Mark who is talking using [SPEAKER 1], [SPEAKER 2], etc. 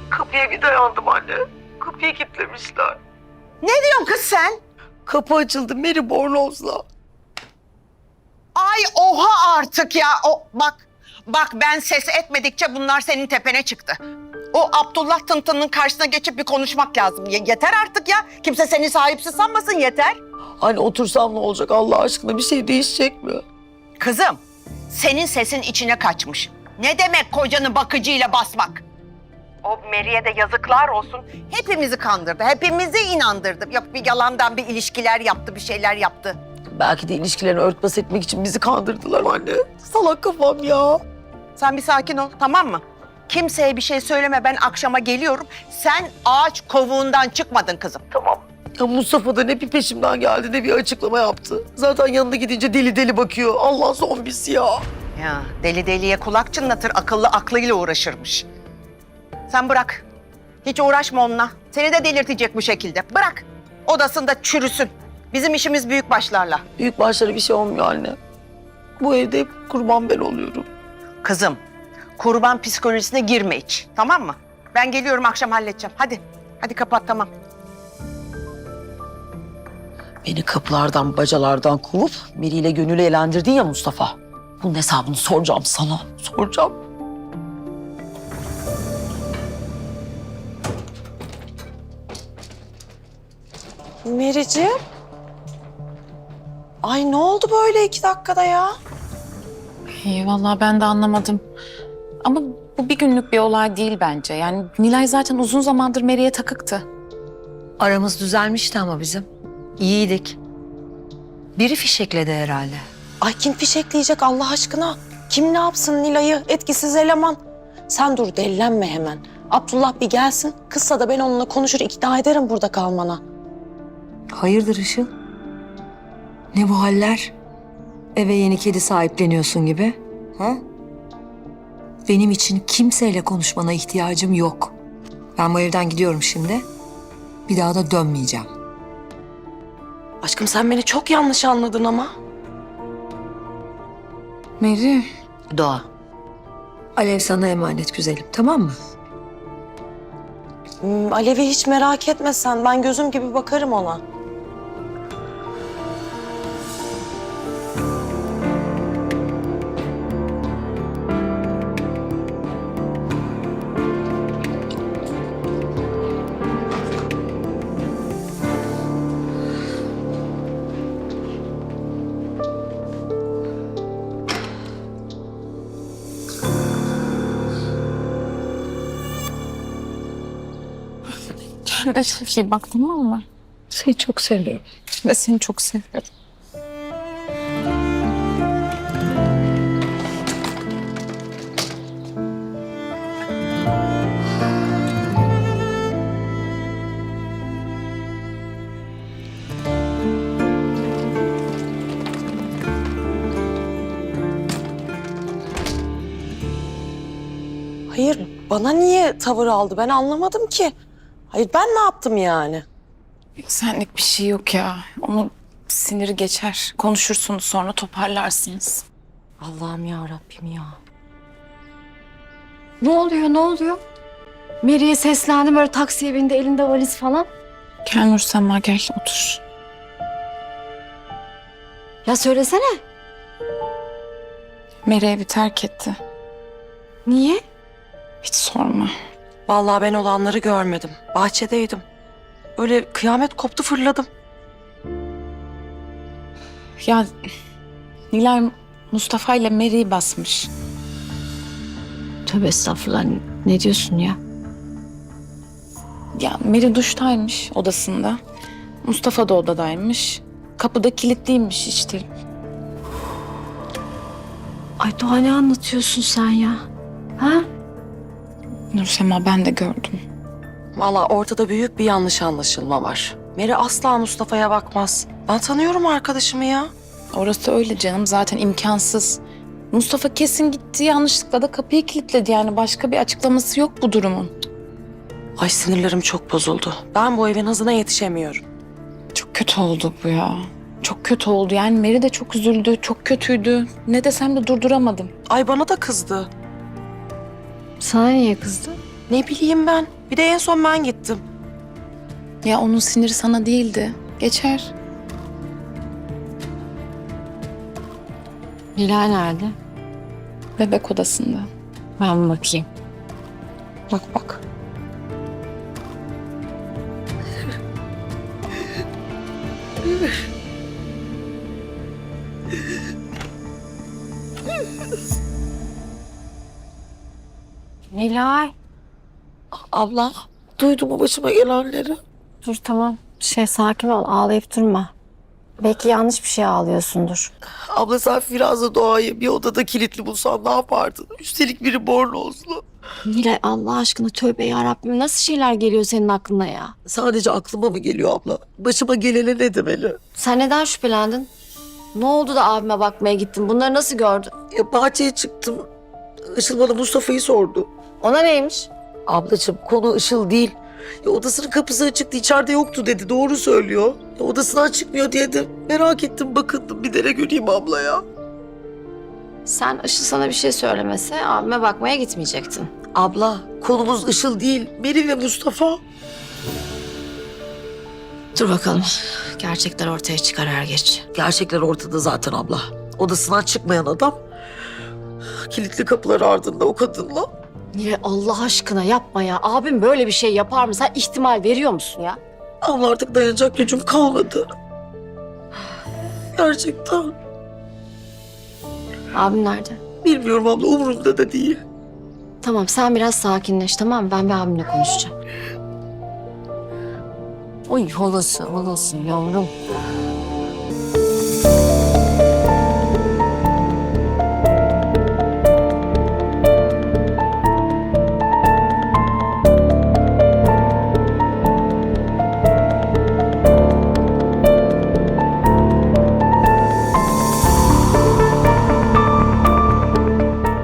[SPEAKER 1] Kapıya bir dayandım anne. Kapıyı kilitlemişler.
[SPEAKER 2] Ne diyorsun kız sen?
[SPEAKER 1] Kapı açıldı Mary Bornoz'la.
[SPEAKER 2] Ay oha artık ya. Bak ben ses etmedikçe bunlar senin tepene çıktı. O Abdullah Tıntı'nın karşısına geçip bir konuşmak lazım. Yeter artık ya. Kimse seni sahipsiz sanmasın, yeter.
[SPEAKER 1] Anne otursam ne olacak Allah aşkına, bir şey değişecek mi?
[SPEAKER 2] Kızım, senin sesin içine kaçmış. Ne demek kocanı bakıcıyla basmak? O Mary'e de yazıklar olsun. Hepimizi kandırdı, hepimizi inandırdı. Yok bir yalandan bir ilişkiler yaptı, bir şeyler yaptı.
[SPEAKER 1] Belki de ilişkilerini örtbas etmek için bizi kandırdılar anne. Salak kafam ya.
[SPEAKER 2] Sen bir sakin ol, tamam mı? Kimseye bir şey söyleme, ben akşama geliyorum. Sen ağaç kovuğundan çıkmadın kızım.
[SPEAKER 1] Tamam. Ya Mustafa da ne bir peşimden geldi ne bir açıklama yaptı. Zaten yanına gidince deli deli bakıyor. Allah zombisi ya.
[SPEAKER 2] Ya deli deliye kulak çınlatır, akıllı aklıyla uğraşırmış. Sen bırak. Hiç uğraşma onunla. Seni de delirtecek bu şekilde. Bırak. Odasında çürüsün. Bizim işimiz büyük başlarla.
[SPEAKER 1] Büyük başlara bir şey olmuyor anne. Bu evde hep kurban ben oluyorum.
[SPEAKER 2] Kızım, kurban psikolojisine girme hiç. Tamam mı? Ben geliyorum, akşam halledeceğim. Hadi. Hadi kapat, tamam.
[SPEAKER 1] Beni kapılardan, bacalardan kovup Meri ile Gönül'ü eğlendirdin ya Mustafa. Bunun hesabını soracağım sana. Soracağım.
[SPEAKER 3] Mericiğim. Ay ne oldu böyle 2 dakikada ya?
[SPEAKER 4] İyi vallahi ben de anlamadım. Ama bu bir günlük bir olay değil bence. Yani Nilay zaten uzun zamandır Mary'e takıktı.
[SPEAKER 5] Aramız düzelmişti ama bizim. İyiydik. Biri fişekledi herhalde.
[SPEAKER 3] Ay kim fişekleyecek Allah aşkına? Kim ne yapsın Nilay'ı? Etkisiz eleman. Sen dur dellenme hemen. Abdullah bir gelsin. Kızsa da ben onunla konuşur ikna ederim burada kalmana.
[SPEAKER 5] Hayırdır Işıl? Ne bu haller? Eve yeni kedi sahipleniyorsun gibi. Ha? Benim için kimseyle konuşmana ihtiyacım yok. Ben bu evden gidiyorum şimdi. Bir daha da dönmeyeceğim.
[SPEAKER 3] Aşkım sen beni çok yanlış anladın ama.
[SPEAKER 4] Mary.
[SPEAKER 5] Doğa. Alev sana emanet güzelim, tamam mı?
[SPEAKER 3] Alev'i hiç merak etme sen. Ben gözüm gibi bakarım ona.
[SPEAKER 4] Kendine çok iyi bak, tamam mı?
[SPEAKER 5] Seni çok seviyorum.
[SPEAKER 4] Ve seni çok seviyorum.
[SPEAKER 3] Hayır bana niye tavır aldı ben anlamadım ki. Hayır ben ne yaptım yani?
[SPEAKER 4] Senlik bir şey yok ya. Onun siniri geçer. Konuşursunuz sonra toparlarsınız.
[SPEAKER 5] Allah'ım ya Rabbim ya. Ne oluyor, ne oluyor? Mary'e seslendim, böyle taksiye bindi, elinde valiz falan.
[SPEAKER 4] Gel Nursema gel otur.
[SPEAKER 5] Ya söylesene.
[SPEAKER 4] Mary evi terk etti.
[SPEAKER 5] Niye?
[SPEAKER 4] Hiç sorma.
[SPEAKER 3] Vallahi ben olanları görmedim. Bahçedeydim. Öyle kıyamet koptu fırladım.
[SPEAKER 4] Ya Nilay Mustafa ile Mary'i basmış.
[SPEAKER 5] Tövbe estağfurullah, ne diyorsun ya?
[SPEAKER 4] Ya Mary duştaymış odasında. Mustafa da odadaymış. Kapıda kilitliymiş işte.
[SPEAKER 5] Ay Doğa, ne anlatıyorsun sen ya? Ha?
[SPEAKER 4] Nursema ben de gördüm.
[SPEAKER 3] Vallahi ortada büyük bir yanlış anlaşılma var. Meri asla Mustafa'ya bakmaz. Ben tanıyorum arkadaşımı ya.
[SPEAKER 4] Orası öyle canım, zaten imkansız. Mustafa kesin gitti, yanlışlıkla da kapıyı kilitledi, yani başka bir açıklaması yok bu durumun.
[SPEAKER 3] Ay sinirlerim çok bozuldu. Ben bu evin hızına yetişemiyorum.
[SPEAKER 4] Çok kötü oldu bu ya. Çok kötü oldu, yani Mary de çok üzüldü, çok kötüydü. Ne desem de durduramadım.
[SPEAKER 3] Ay bana da kızdı.
[SPEAKER 5] Sana niye kızdı?
[SPEAKER 3] Ne bileyim ben. Bir de en son ben gittim.
[SPEAKER 4] Ya onun siniri sana değildi. Geçer.
[SPEAKER 6] Nilay nerede?
[SPEAKER 4] Bebek odasında.
[SPEAKER 6] Ben bir bakayım.
[SPEAKER 3] Bak bak.
[SPEAKER 6] Nilay.
[SPEAKER 3] Abla, duydun mu başıma gelenleri?
[SPEAKER 6] Dur tamam. Sakin ol. Ağlayıp durma. Belki yanlış bir şey ağlıyorsundur.
[SPEAKER 3] Abla sen Firaz'la Doğa'yı bir odada kilitli bulsan ne yapardın? Üstelik biri bornozlu.
[SPEAKER 6] Nilay Allah aşkına tövbe yarabbim. Nasıl şeyler geliyor senin aklına ya?
[SPEAKER 3] Sadece aklıma mı geliyor abla? Başıma gelene ne demeli?
[SPEAKER 6] Sen neden şüphelendin? Ne oldu da abime bakmaya gittin? Bunları nasıl gördün?
[SPEAKER 3] Ya bahçeye çıktım. Işıl bana Mustafa'yı sordu.
[SPEAKER 6] Ona neymiş?
[SPEAKER 3] Ablacığım konu Işıl değil. Ya odasının kapısı açıktı, içeride yoktu dedi. Doğru söylüyor. Ya odasından çıkmıyor diye de merak ettim, bakındım. Bir dere göreyim abla ya.
[SPEAKER 6] Sen Işıl sana bir şey söylemese abime bakmaya gitmeyecektin.
[SPEAKER 3] Abla konumuz Işıl değil. Meri ve Mustafa.
[SPEAKER 6] Dur bakalım. Gerçekler ortaya çıkar er geç.
[SPEAKER 3] Gerçekler ortada zaten abla. Odasından çıkmayan adam kilitli kapılar ardında o kadınla.
[SPEAKER 6] Nilay Allah aşkına yapma ya. Abim böyle bir şey yapar mı? Sen ihtimal veriyor musun ya?
[SPEAKER 3] Abla artık dayanacak gücüm kalmadı. Gerçekten.
[SPEAKER 6] Abim nerede?
[SPEAKER 3] Bilmiyorum abla, umurumda da değil.
[SPEAKER 6] Tamam sen biraz sakinleş tamam mı? Ben bir abimle konuşacağım. Oy olası yavrum.